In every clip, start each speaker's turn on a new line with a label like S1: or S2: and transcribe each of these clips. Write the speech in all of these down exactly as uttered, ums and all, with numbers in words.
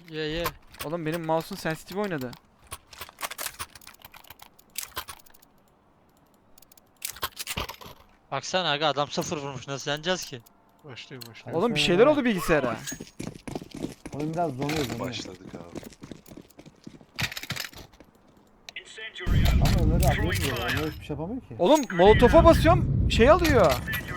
S1: Ye ye.
S2: Oğlum benim mouse'un sensitive oynadı.
S1: Baksana aga adam sıfır vurmuş, nasıl yeneceğiz ki?
S3: Başlayın başlayın.
S2: Oğlum bir şeyler oldu bilgisayara.
S4: Oyun biraz donuyor donuyor.
S3: Başladık abi.
S4: Ama Ömer'i abi yapmıyor. Ömer hiçbir şey yapamıyor ki.
S2: Oğlum molotofa basıyorum şey alıyor.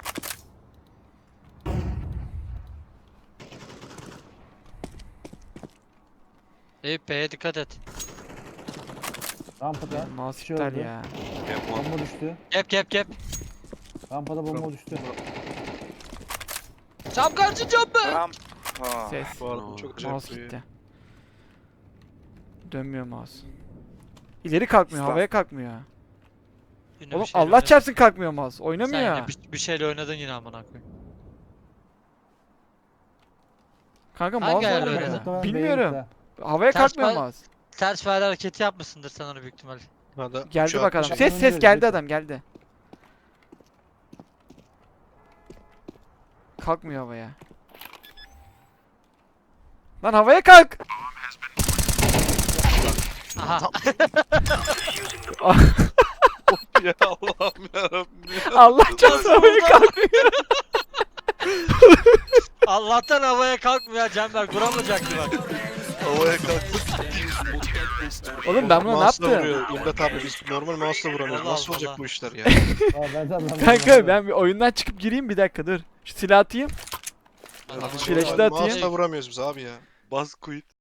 S1: Eyüp B'ye dikkat et.
S4: Rampada
S2: Mouse
S4: bir şey
S2: iptal
S4: oldu.
S2: ya.
S3: Gap one.
S4: Bomba düştü.
S1: Gap gap gap.
S4: Rampada bomba düştü.
S1: Cam karşı cam be.
S5: Ramp. Ha.
S2: Ses.
S3: Bu arada çok acayip
S2: Mouse
S3: bir...
S2: gitti. Dönmüyor mouse. İleri kalkmıyor,
S5: Stop.
S2: havaya kalkmıyor.
S1: Yine
S2: Oğlum
S1: bir şeyle
S2: Allah
S1: oynadın.
S2: çarpsın kalkmıyor mouse.
S1: Sen
S2: Oynamıyor.
S1: yine bir, bir şeyle oynadın yine amına koyayım.
S2: Kanka
S1: Hangi
S2: mouse
S1: ayarla
S2: oynamıyor.
S1: oynadın?
S4: Muhtemelen
S2: Bilmiyorum.
S4: B'ye
S2: Havaya
S1: Ters
S2: kalkmıyor
S1: pa-
S2: mouse.
S1: Ters fare hareketi yapmışsındır sen onu büyük ihtimal.
S3: Hadi,
S2: Geldi
S3: uçağı
S2: bak adam.
S3: atmış.
S2: Ses ses geldi adam geldi. Kalkmıyor havaya. Lan havaya kalk.
S1: Aha.
S3: Ya Allah'ım yarabbim ya.
S2: Allah çarpsın havaya kalkmıyor.
S1: Allah'tan havaya kalkmıyor Cember, vuramayacaktı bak.
S3: Havaya kalktı.
S2: Oğlum ben buna ne
S3: Mouse'la
S2: yaptım?
S3: vuruyor. İmdat abi biz normal mouse'la vuramıyoruz.
S1: Allah
S3: Nasıl olacak
S1: Allah.
S3: bu işler ya?
S4: Aa, ben de anlamadım.
S2: Kanka ben bir oyundan çıkıp gireyim bir dakika dur. Şu silah atayım.
S1: Allah'ım.
S2: Flash'ı da
S3: Normal
S2: atayım.
S3: Mouse'la vuramıyoruz biz abi ya.
S5: Bas quit.